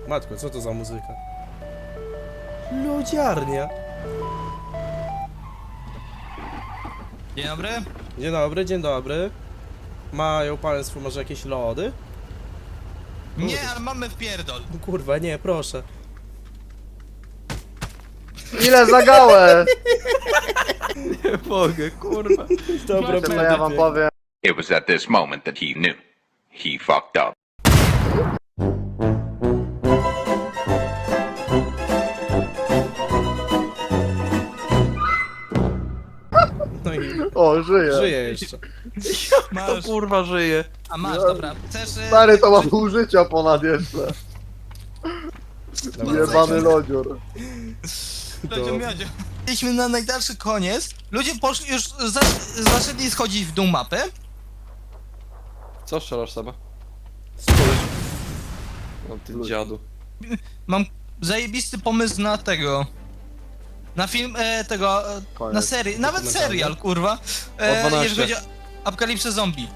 Matko, co to za muzyka? Lodziarnia. Dzień dobry. Dzień dobry, dzień dobry. Mają państwo może jakieś lody? Nie, ale mamy wpierdol. Kurwa, nie, proszę. Ile zagałeś? Nie mogę, kurwa. Dobra, To ja wam powiem. It was at this moment that he knew. He fucked up. No i O, żyje. żyje jeszcze. To Masz. kurwa żyje. A masz, dobra. Chcesz... Stary, to ma pół życia ponad jeszcze. Dobra, Jebany lodzior. Lodziu, miodziu. Byliśmy na najdalszy koniec. Ludzie poszli już... zaczęli schodzić w dół mapy. Co strzelasz sama? Spójrz. No ty dziadu. Mam zajebisty pomysł na tego... Na film tego... Koniec. na serię. Nawet Dokumentalny. serial, kurwa. O 12. Jeżeli chodzi o apokalipsę zombie.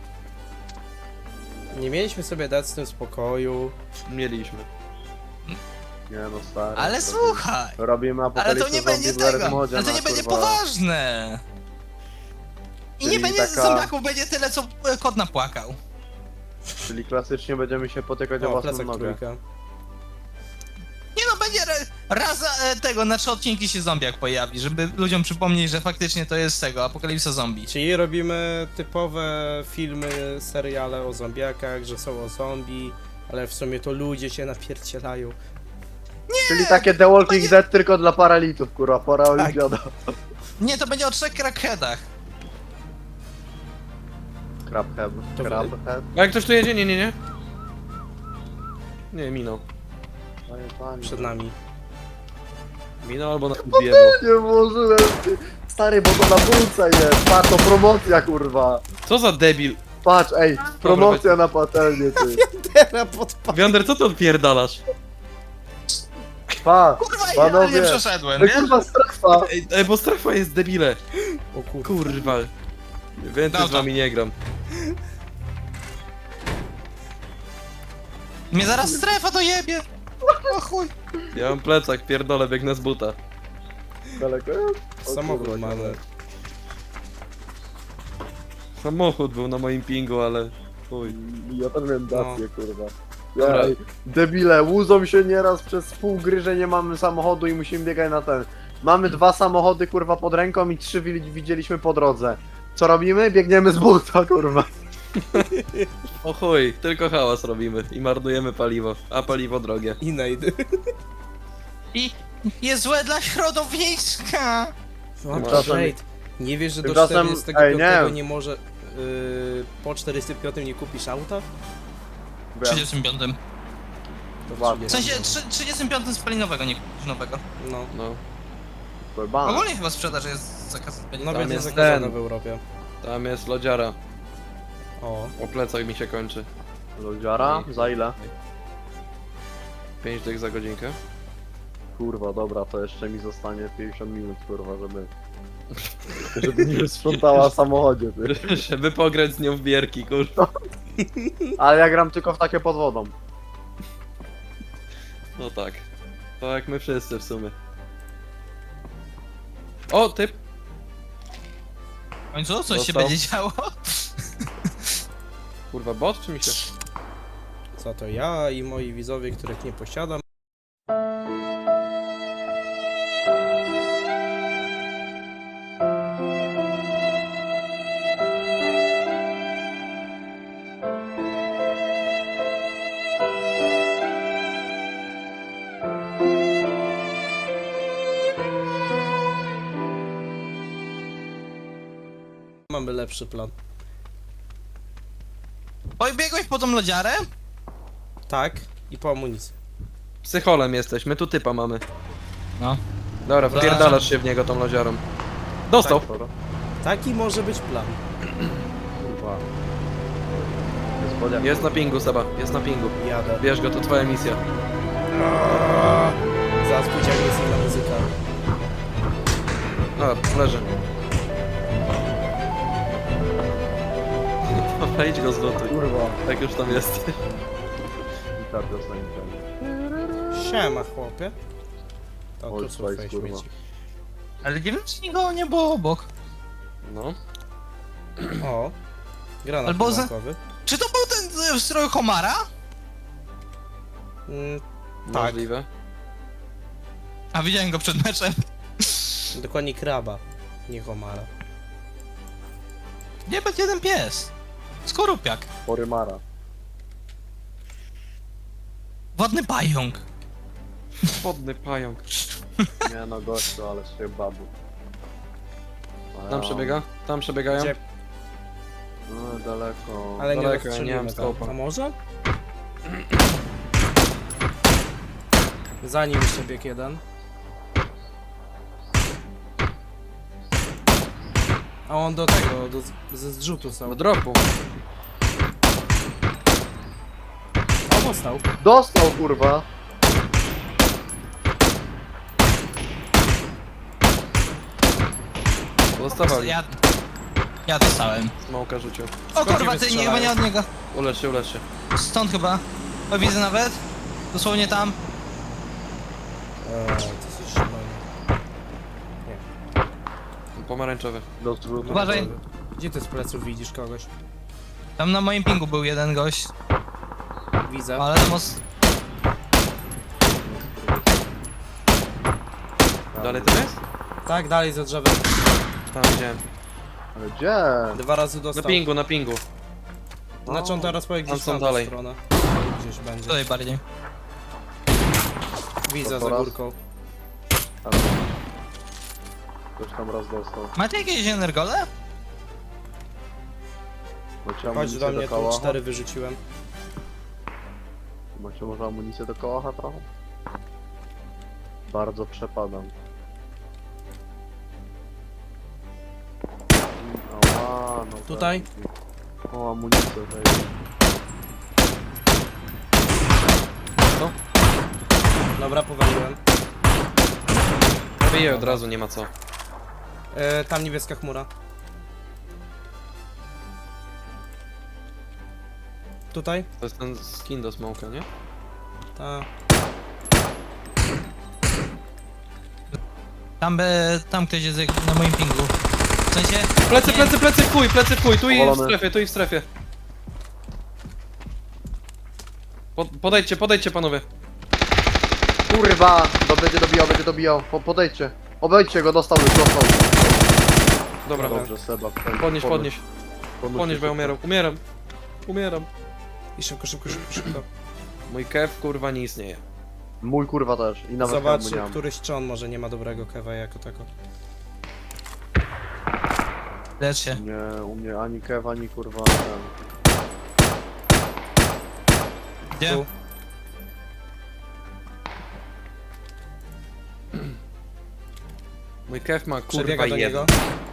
Nie mieliśmy sobie dać z tym spokoju. Mieliśmy. Nie no, stary. Ale słuchaj. Robimy Ale to apokalipsę nie będzie zombie w Red tego. Modzie Ale to na, nie będzie kurwa. poważne. I nie Czyli będzie taka- zombiaków, będzie tyle co kot napłakał. Czyli klasycznie będziemy się potykać o O, własną plecak nogę. trójka. Nie no, będzie raz tego, na 3 odcinki się zombiak pojawi, żeby ludziom przypomnieć, że faktycznie to jest tego, apokalipsa zombie. Czyli robimy typowe filmy, seriale o zombiakach, że są o zombie, ale w sumie to ludzie się napiercielają. Czyli takie The Walking Dead tylko dla paralitów, kurwa, pora Tak. olimpiada. Nie, to będzie o 3 crackheadach. Crabhead. To Crabhead. A jak ktoś tu jedzie? Nie. Nie, minął. Przed nami. Minął albo na biedło. Nie włożyłem, ty. Stary, bo to na półce jest. Patrz, to promocja, kurwa. Co za debil? Patrz, ej, promocja na patelnię, ty. Teraz podpadł. Wiander, co ty odpierdalasz? Patrz, Kurwa, panowie. idealnie przeszedłem, Ej, nie? kurwa, strefa. Ej, bo strefa jest debile. O kurwa. Kurwa. Więcej Dał z to. wami nie gram. Mnie zaraz strefa dojebie. O chuj. Ja mam plecak, pierdolę, biegnę z buta. Daleko jest? O Samochód kurwa, mamy. Samochód był na moim pingu, ale... Chuj. Ja tam miałem dację, kurwa. Dobra. Ej, debile, łudzą się nieraz przez pół gry, że nie mamy samochodu i musimy biegać na ten. Mamy 2 samochody, kurwa, pod ręką i 3 widzieliśmy po drodze. Co robimy? Biegniemy z buta, kurwa. O chuj, tylko hałas robimy i marnujemy paliwo, a paliwo drogie. I najdy. I jest złe dla środowiska. Tymczasem- Wait. Nie wiesz, że do Tymczasem- 45 ej, nie może... po 45 nie kupisz auta? W 35. To Ładnie. W sensie 35 spalinowego, nie kupisz nowego. No. No, Kurwa. Ogólnie chyba sprzedaż jest zakaz No Tam będzie jest zakazane ten. w Europie. tam jest lodziara. O. O plecach mi się kończy. Lodziara? Za ile? 5 dych za godzinkę. Kurwa, dobra, to jeszcze mi zostanie 50 minut, kurwa, żeby mi sprzątała w samochodzie, ty. Żeby pograć z nią w bierki, kurwa. Ale ja gram tylko w takie pod wodą. No tak. To jak my wszyscy w sumie. O, typ! W końcu coś się Dostał. będzie działo. Kurwa, bot czy mi się... Co to ja i moi widzowie, których nie posiadam. Mamy lepszy plan. Pobiegłeś po tą lodziarę? Tak, i po amunicji. Psycholem jesteś, my tu typa mamy. No. Dobra, Dobra. wpierdalasz się w niego tą lodziarą. Dostał! Dobra. Taki może być plan. Kurwa. Jest woda. Jest na pingu, Seba, jest na pingu. Jadę. Bierz go, to twoja misja. Zaraz pójdzie agresywna muzyka. A, leży. Dobra, idź go zlutuj, Kurwa. jak już tam jesteś. ta piosenka. Siema, chłopie. O, tu Old są Spice, twoje kurwa. śmieci. Ale nie wiem, czy nikogo nie było obok. No. O, granat Albo za- bankowy. Czy to był ten w stroju Homara? Tak, Możliwe. A widziałem go przed meczem. dokładnie kraba, nie homara. Nie, będzie jeden pies. Skorupiak. Porymara. Wodny pająk. Wodny pająk. Nie no gościu, ale się babu. Tam przebiega? Tam przebiegają? Gdzie? No daleko. Ale nie Daleko, ja nie rozstrzelimy mam tam. skopa. A może? Za nim jeszcze bieg jeden. A on do tego, ze zrzutu są. Do dropu. O, dostał. Dostał kurwa! Dostawali. Ja dostałem. Smoka rzucił. O Skąd nie kurwa, ty nie, chyba wystrzelają? nie od niego. Ulecz się, ulecz się. Stąd chyba. O, widzę nawet. Dosłownie tam. To jest szalone. Pomarańczowy. Do zrzutu. Uważaj. Gdzie ty z pleców widzisz kogoś? Tam na moim pingu był jeden gość. Widzę. Ale tam os... Dalej to jest? Tak, dalej za drzewem. Tam widziałem. Ale gdzie? 2 razy Na dostał. pingu, na pingu. Znaczy on teraz powie Tam gdzieś są tam dalej. stronę. Gdzieś będzie. Tutaj bardziej. Widzę To za raz. górką. Ale... Ktoś tam raz dostał. Macie jakieś energole? Macie Chodź amunicję do mnie, tu kałacha? 4 wyrzuciłem. Macie może amunicję do kałacha trochę? Bardzo przepadam. Ała, no Tutaj? tak. O, amunicję tutaj. Dobra, powaliłem. Wyje od razu, nie ma co. Tam niebieska chmura. Tutaj? To jest ten skin do smoka, nie? Ta. Tam ktoś jest na moim pingu. W sensie... Plecy, nie- plecy, plecy, w chuj, tu i w Powalony. strefie, tu i w strefie. Podejdźcie panowie. Kurwa! Będzie dobijał. Podejdźcie. Obejdźcie go, dostał już, dostał. Dobra, Dobrze, Seba. podnieś, bo ja umieram. I szybko. Mój kew kurwa nie istnieje. Mój kurwa też. I nawet Zobacz, hełmu nie mam. któryś czon może nie ma dobrego kewa jako tako. Lecz się. Nie, u mnie ani kew, ani kurwa ten. Gdzie? Tu. Mój kew ma kurwa Przebiega do niego. jeden.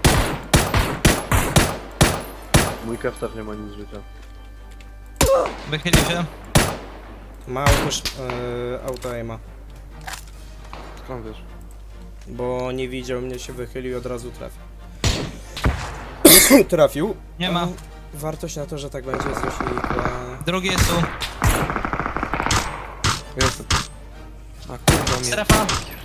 Mój kew też nie ma nic życia. Wychylił się. Ma auto aima. Skąd wiesz? Bo nie widział mnie, się wychylił i od razu trafił. Trafił. Nie ma. Wartość na to, że tak będzie jest dość nikła. Drugi jest tu. Jestem. A kurwa mnie. Strefa.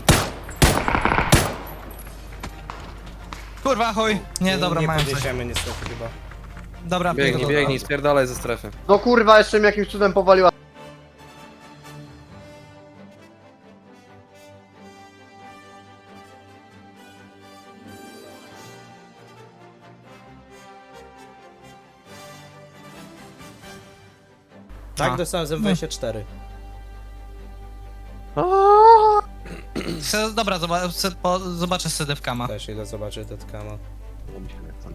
Kurwa, chuj. Nie, dobra, nie mają coś. podniesiemy niestety chyba. Dobra, Biegnij, spierdalaj ze strefy. No kurwa, jeszcze mi jakimś cudem powaliła. Tak, A. dostałem z M24. Dobra, zobaczę sedewkama. Też idę zobaczyć Deadcama. No, mi się nie chce.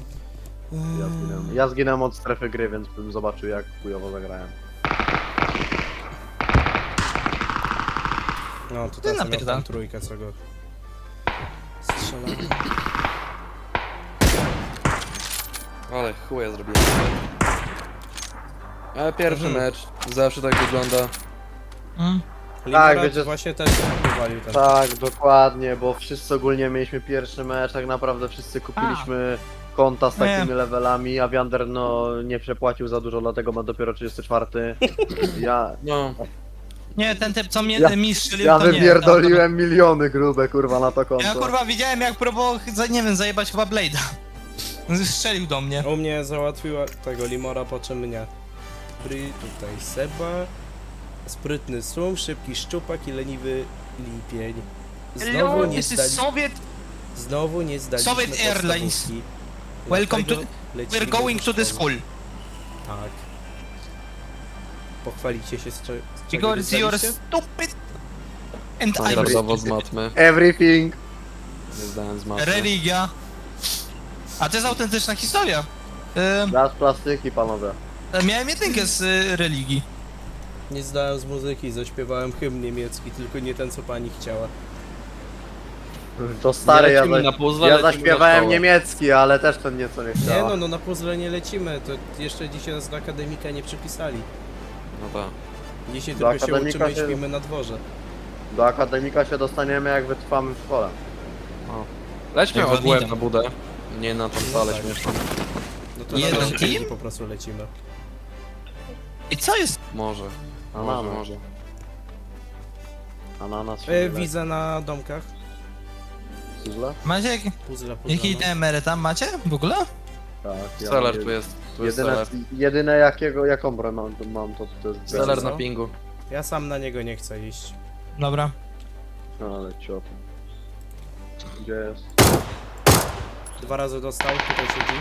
Ja zginąłem od strefy gry, więc bym zobaczył jak chujowo zagrałem. No, to teraz miał napierdal. tam trójkę, co go strzelał. Ale chuja zrobiłem. Ale pierwszy Mhm. mecz zawsze tak wygląda. Limerat wiecie- właśnie też powalił ten. Tak, dokładnie, bo wszyscy ogólnie mieliśmy pierwszy mecz, tak naprawdę wszyscy kupiliśmy konta z Nie. takimi levelami, a Wander no nie przepłacił za dużo, dlatego ma dopiero 34. Ja, No, Nie, ten typ co mnie Ja- mi strzelił, ja to nie. wypierdoliłem miliony grube kurwa na to konto. Ja kurwa widziałem jak próbował, nie wiem, zajebać chyba Blade'a. Strzelił do mnie. U mnie załatwiła tego Limora, po czym mnie. Tutaj Seba. Sprytny Sum, szybki szczupak i leniwy lipień. Znowu nie zdali... Soviet. Znowu nie zdaliśmy Soviet Airlines. podstawówki. Welcome to... Dlatego lecimy We're going do to the szkoły. school. Tak. Pochwalicie się z czego Because you're dostaliście? stupid. And I'm standardowo z matmy. Everything. Nie zdałem z matmy. religia. A to jest autentyczna historia. Raz plastyki, panowie. Miałem jedynkę z religii. Nie zdałem z muzyki, zaśpiewałem hymn niemiecki, tylko nie ten co pani chciała. To stary, ja, lecimy na puzzle, ja lecimy na zaśpiewałem szkołę. niemiecki, ale też ten nieco nie Nie chciała. no, na puzzle nie lecimy, to jeszcze dzisiaj nas do akademika nie przypisali. No tak. Dzisiaj Do tylko się akademika uczymy i się- śpimy na dworze. Do akademika się dostaniemy, jak wytrwamy w szkole. Lećmy Jak ogółem widzę. na budę. Nie na tą salę tak. śmieszną. No to Jeden na naszej team? linii po prostu lecimy. I co jest? Może. Ananas. Może. Ananas się Widzę na domkach. Puzzle? Macie Puzzle, jaki no. emery tam macie w ogóle? Tak. ja Seller mam tu jest. Tu jest Jedyne, seller. jedyne jaką broń mam to jest Seller Co? na pingu. Ja sam na niego nie chcę iść. Dobra. No ale ciot. Gdzie jest? 2 razy dostał, tutaj siedzi.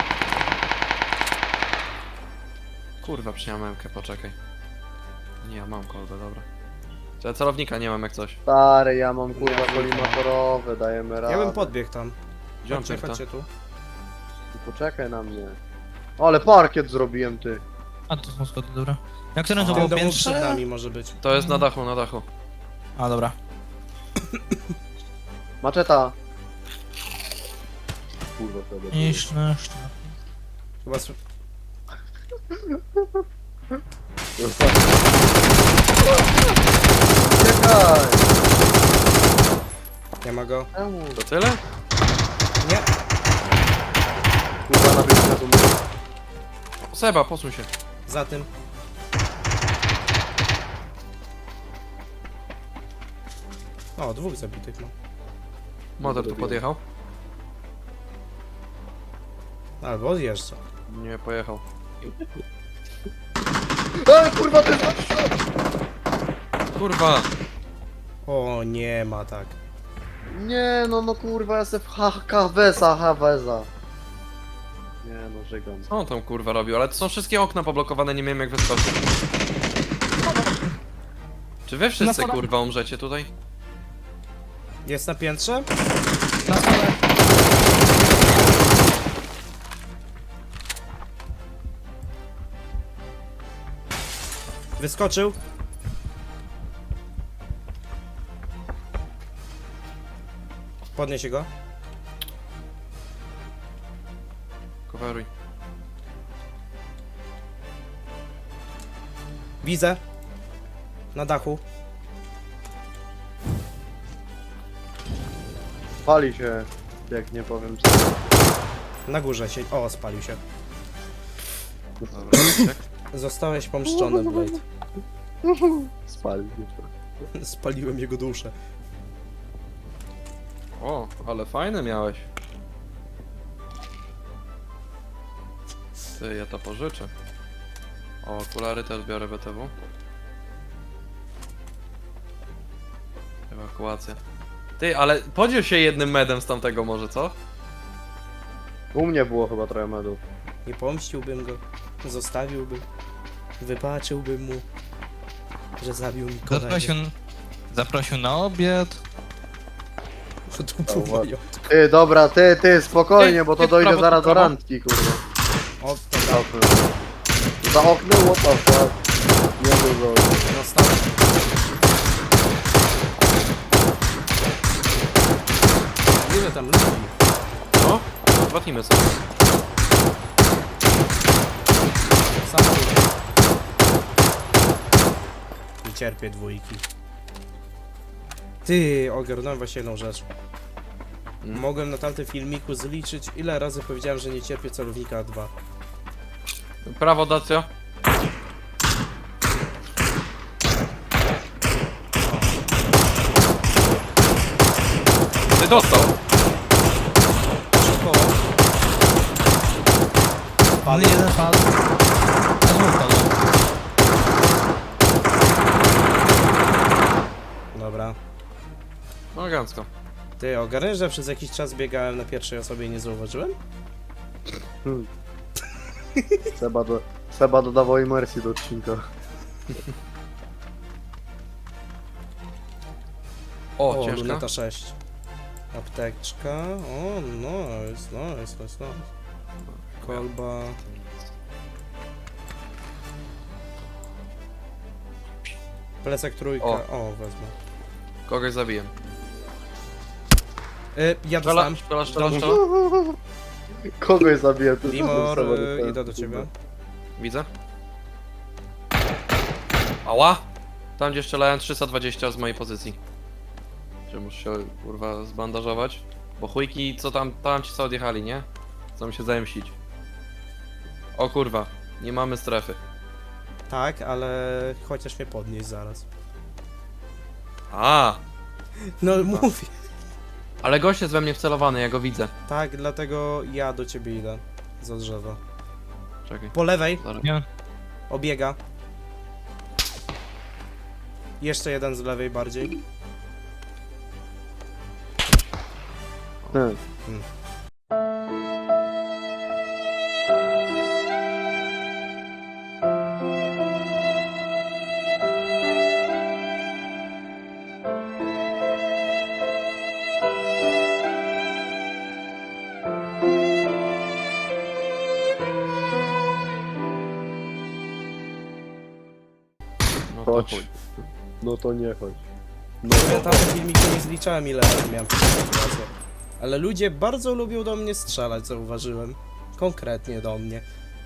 Kurwa, przyjąłem MK, poczekaj. Nie, ja mam kolbę, dobra. Czy ja celownika nie mam jak coś. Stary, ja mam kurwa Ja kolimatorowe, dajemy radę. Ja bym podbiegł tam. Gdzie on Chodźcie, pierda? chodźcie tu. Poczekaj na mnie. Ale parkiet zrobiłem, ty. A to są schody, dobra. Na którym to W było tym domu przed piętrze? nami może być. To jest na dachu, na dachu. A dobra. Maczeta. Kurwa, wtedy. Niż na Chyba Czekaj! nie ma go. Czemu? To tyle? Nie. Kurwa, na biegu na tu mówię. Seba, posuń się. Za tym. O, 2 zabitych mam. Motor tu podjechał? Albo odjeżdża. Nie, pojechał. Ej, kurwa, ty jest... Kurwa! O, nie ma tak. Nie, no kurwa, ja jestem w Haveza. Nie no, żygam. Co on tam kurwa robił? Ale to są wszystkie okna poblokowane, nie wiem jak wyskoczyć. Czy wy wszyscy schodach. kurwa umrzecie tutaj? Jest na piętrze? Na stole. Wyskoczył. Podnieś go. Coveruj. Widzę. Na dachu. Pali się, jak nie powiem co. Na górze się. O, spalił się. Dobra, Maciek. Zostałeś pomszczony, Blade. Spali się. Spaliłem jego duszę. O, ale fajne miałeś. Ty, ja to pożyczę. O, okulary też biorę BTW. Ewakuacja. Ty, ale podziel się jednym medem z tamtego może, co? U mnie było chyba trochę medów. Nie pomściłbym go. Zostawiłbym. Wybaczyłbym mu, że zabił mi kolegę. Zaprosił na obiad. To był majątek. Ty, dobra, ty, spokojnie, bo to Ty, dojdzie prawo, zaraz do prawo. randki, kurwa. O, Za dobra. oknem. Za oknem, what the fuck? Nie było. Dostał. Ile tam ludzi? No, zobaczymy sobie. Samochód. Nie cierpię dwójki. Ty, ogarnąłem właśnie jedną rzecz. Mogłem na tamtym filmiku zliczyć, ile razy powiedziałem, że nie cierpię celownika 2. Prawo, Dacio. Ty dostał. Szokowo. Pan jeden padł. A dwóch padł. Dobra. Elegancko. Ty ogarniesz, że przez jakiś czas biegałem na pierwszej osobie i nie zauważyłem? Seba dodawał imersji do odcinka. O, O, ciężka. luneta 6. Apteczka. O, nice. Kolba. Plecak trójka. O, wezmę. Kogoś zabiję. Ja dostałem. Strzelasz. Kogoś zabiję, to Limor, Seba dostałem. idę do ciebie. Widzę. Ała! Tam gdzie strzelałem 320 z mojej pozycji. Czy muszę się kurwa zbandażować? Bo chujki, co tam ci co odjechali, nie? Chcą się zemścić. O kurwa, nie mamy strefy. Tak, ale chociaż mnie podnieść zaraz. A, No mówię. ale gość jest we mnie wcelowany, ja go widzę. Tak, dlatego ja do ciebie idę. Za drzewo. Czekaj. Po lewej, Zaraz. Nie. obiega. Jeszcze jeden z lewej bardziej. Hmm. No to Chodź. chuj. No to nie chodź. No Ja tam w filmiku nie zliczałem ile razy miałem taką sytuację. Ale ludzie bardzo lubią do mnie strzelać, zauważyłem. Konkretnie do mnie.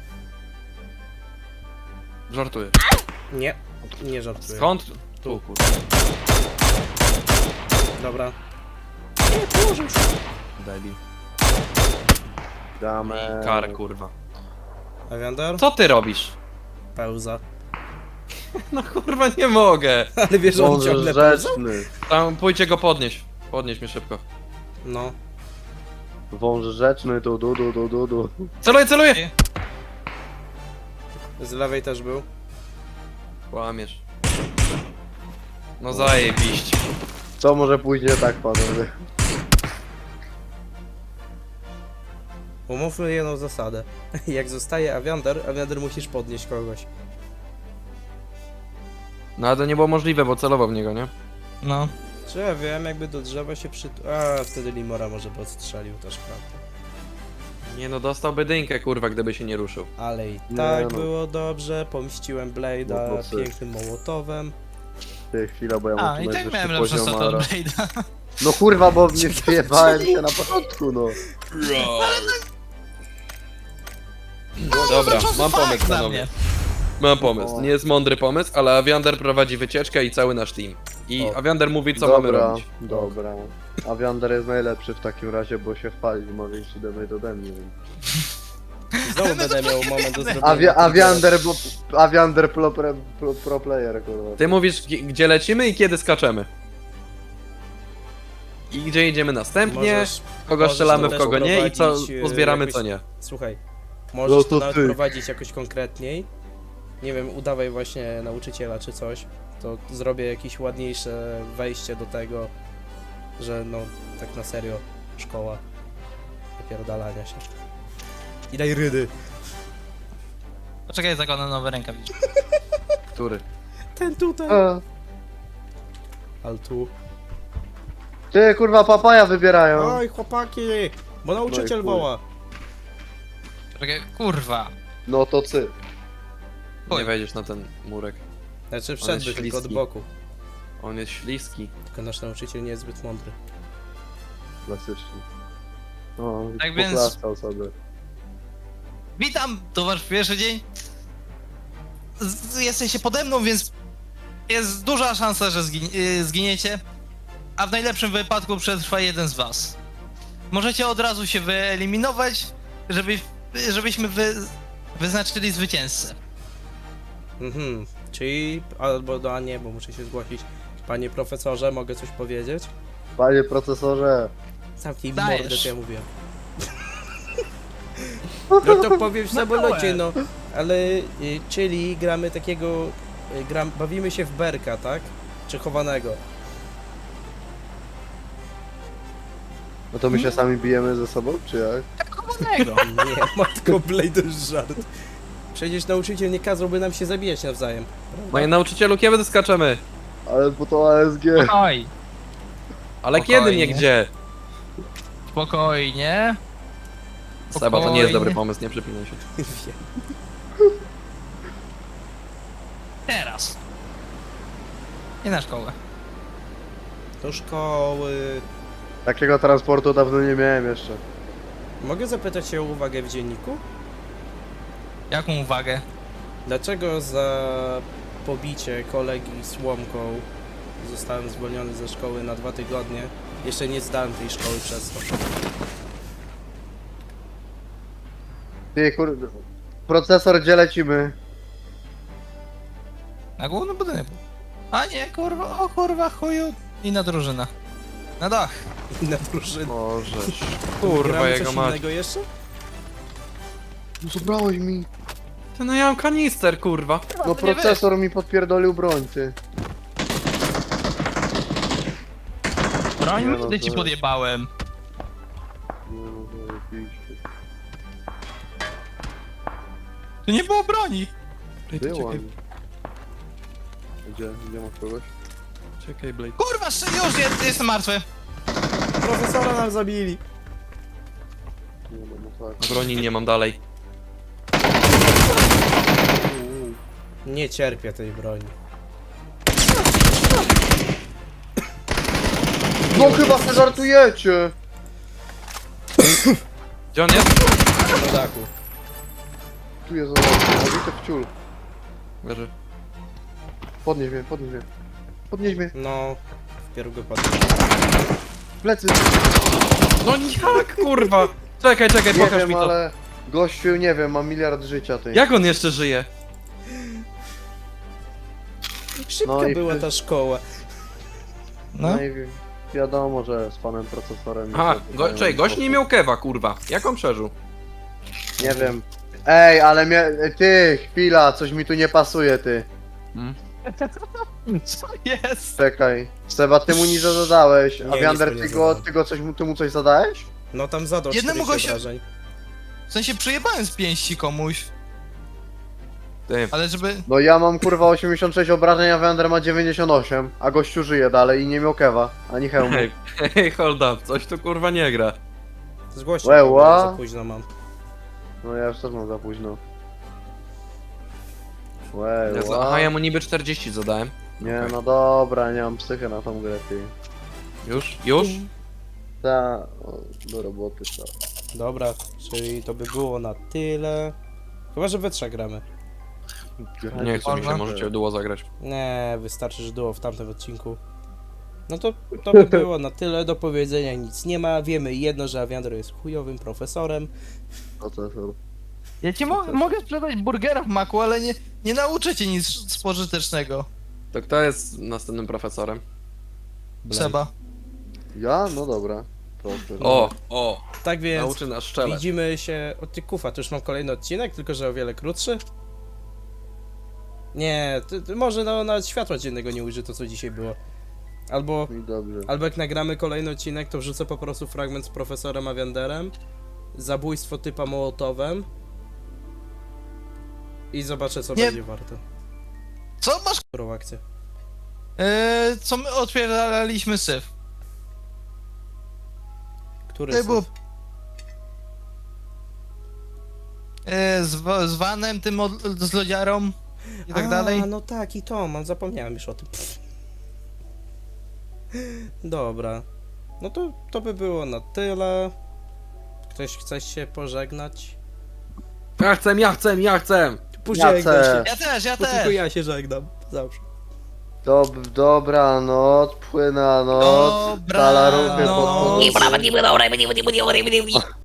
Żartuję. Nie, nie żartuję. Skąd? Tu kurwa. Dobra. Debil. damy. Kar kurwa. Awiander? Co ty robisz? Pełza. No kurwa nie mogę. Ale wiesz, że on Zążę ciągle pełza? rzeczny. Tam pójdźcie go podnieść. Podnieś mnie szybko. No. Wąż rzeczny, du. Celuję! Z lewej też był. Kłamiesz. No zajebiście. Co może pójść nie tak, panowie? Umówmy jedną zasadę. Jak zostaje Awiander musisz podnieść kogoś. No ale to nie było możliwe, bo celował w niego, nie? No. Czy ja wiem, jakby do drzewa się A, wtedy Limora może by odstrzelił też, prawda? Nie no, dostałby dynkę kurwa, gdyby się nie ruszył. Ale i Nie tak no. było dobrze, pomściłem Blade'a No to syf. pięknym mołotowem. Ty, chwila, bo ja A, mam i tu tak najwyższy miałem lepsze poziom, staty od ale- Blade'a. No kurwa, bo mnie wyjebałem się na początku, no. Dobra, mam pomysł Fakt dla panowie. mnie. Mam pomysł. O. Nie jest mądry pomysł, ale Awiander prowadzi wycieczkę i cały nasz team. I O. Awiander mówi co mamy robić. Dobra. Awiander jest najlepszy w takim razie, bo się chwali, ma większy damage ode mnie. Znowu będę miał moment do zrobienia. Awiander pro player, kurwa. Ty mówisz gdzie lecimy i kiedy skaczemy. I gdzie idziemy następnie, Możesz, kogo strzelamy w też kogo nie i co prowadzić, pozbieramy jakoś- co nie. Słuchaj, możesz No to to nawet ty. prowadzić jakoś konkretniej. Nie wiem, udawaj właśnie nauczyciela czy coś. To zrobię jakieś ładniejsze wejście do tego, że no, tak na serio, szkoła napierdalania się. I daj rydy. Poczekaj, zakładam nowe rękawiczki. Który? Ten tutaj. A, Ale tu. Ty, kurwa, papaja wybierają. Oj, chłopaki! Bo nauczyciel chuj. woła. Poczekaj, kurwa. No to cy. Nie Oj. wejdziesz na ten murek. Znaczy wszedłby tylko od śliski. boku. On jest śliski. Tylko nasz nauczyciel nie jest zbyt mądry. Klasycznie. O, Tak więc- poklaskał sobie. Witam, to wasz pierwszy dzień. Jesteście pode mną, więc jest duża szansa, że zginiecie. A w najlepszym wypadku przetrwa jeden z was. możecie od razu się wyeliminować, żebyśmy wyznaczyli zwycięzcę. Mhm. Czyli, albo nie, bo muszę się zgłosić. Panie profesorze, mogę coś powiedzieć? Panie procesorze. Zamknij Dajesz. mordę, co ja mówiłem. No to powiem w samolocie, no. Ale, czyli gramy takiego, bawimy się w berka, tak? Czy chowanego. No to my się sami bijemy ze sobą, czy jak? Kochanego. Nie, matko Blade, to jest żart. Przecież nauczyciel nie kazałby nam się zabijać nawzajem. Panie nauczycielu, kiedy skaczemy? Ale bo to ASG. Oj, Ale Spokojnie. kiedy, nie gdzie? spokojnie. Seba, to nie jest Spokojnie. dobry pomysł, nie przypinaj się. Wiem. Teraz. Nie na szkołę. Do szkoły. Takiego transportu dawno nie miałem jeszcze. Mogę zapytać się o uwagę w dzienniku? Jaką uwagę? Dlaczego za pobicie kolegi słomką zostałem zwolniony ze szkoły na 2 tygodnie? Jeszcze nie zdałem tej szkoły przez to. Ty kurde. Procesor, gdzie lecimy? Na główny budynek. A nie, kurwa, o kurwa, chuju. Inna drużyna. Na dach. Inna drużyna. Możesz. Kurwa, Gramy jego coś mać. innego jeszcze? No zabrałeś mi. Ty, no ja mam kanister, kurwa. No to nie procesor mi podpierdolił broń, ty. Broń Nie, mi, no gdy ci to- podjebałem. Nie no, zajebiście. Tu nie było broni. Było. Gdzie masz kogoś? Czekaj, Blade. Kurwa, już jestem martwy. Profesora nam zabili. Nie no, tak. Broni nie mam dalej. Nie cierpię tej broni. No chyba se żartujecie! Gdzie on jest? Na dachu. Tu jest zabity w ciul. Leży. Podnieś mnie, podnieś mnie. Podnieś mnie. No, wpierw go padł. Plecy. No jak, kurwa? Czekaj, Nie pokaż wiem, mi to. ale... Gościu, nie wiem, ma miliard życia, ty. Jak on jeszcze żyje? Szybka No i była ty- ta szkoła. No. No i wiadomo, że z panem procesorem... Aha, nie czekaj, gość nie miał kewa, kurwa. Jak on przeżył? Nie wiem. Ej, ale ty, chwila, coś mi tu nie pasuje, ty. Co jest? Czekaj. Seba, ty mu nic zadałeś, a Nie, Wiander, nic mu nie ty mu coś zadałeś? No tam zadał Jednemu 40 gościu- obrażeń. W sensie przyjebałem z pięści komuś. Ty. Ale żeby... No ja mam kurwa 86 obrażeń, a Wiander ma 98, a gościu żyje dalej i nie miał kewa, ani hełmu. Hej, hold up, coś tu kurwa nie gra. Zgłoście Łe, go, bo ła. za późno mam. No ja już też mam za późno. Aha, ja mu niby 40 zadałem. Nie, Okej. no dobra, nie mam psychy na tą grę, ty. Już? Już? Ta, do roboty, ta. Dobra, czyli to by było na tyle. Chyba, że we trzech gramy. Nie chcę mi się, Można? możecie duo zagrać. Nie, wystarczy, że było w tamtym odcinku. No to by było na tyle, do powiedzenia nic nie ma. Wiemy jedno, że Aviandro jest chujowym profesorem. Procesor. Ja ci mogę sprzedać burgera w maku, ale nie nauczę cię nic spożytecznego. To kto jest następnym profesorem? Seba. Ja? No dobra. Proszę. O, Tak więc nauczy nas szczelać. widzimy się... O ty kufa, to już mam kolejny odcinek, tylko że o wiele krótszy. Nie, może nawet światła dziennego nie ujrzy to, co dzisiaj było. Albo I dobrze. jak nagramy kolejny odcinek, to wrzucę po prostu fragment z profesorem Avianderem, zabójstwo typa Mołotowem i zobaczę, co Nie. będzie warto. Co masz? Którą akcję? Co my otwieraliśmy syf? Który To syf? było... z Vanem, tym z lodziarą i tak dalej. No tak, i to, zapomniałem już o tym. Dobra. No to by było na tyle. Ktoś chce się pożegnać? Ja chcę! Pożegnaj się. Ja też. Bo tylko ja się żegnam. Zawsze. Dobranoc, płynanoc, Dobranoc. talaruchy pod Nie, nie, nie, nie, nie, nie, nie, nie, nie, nie, nie,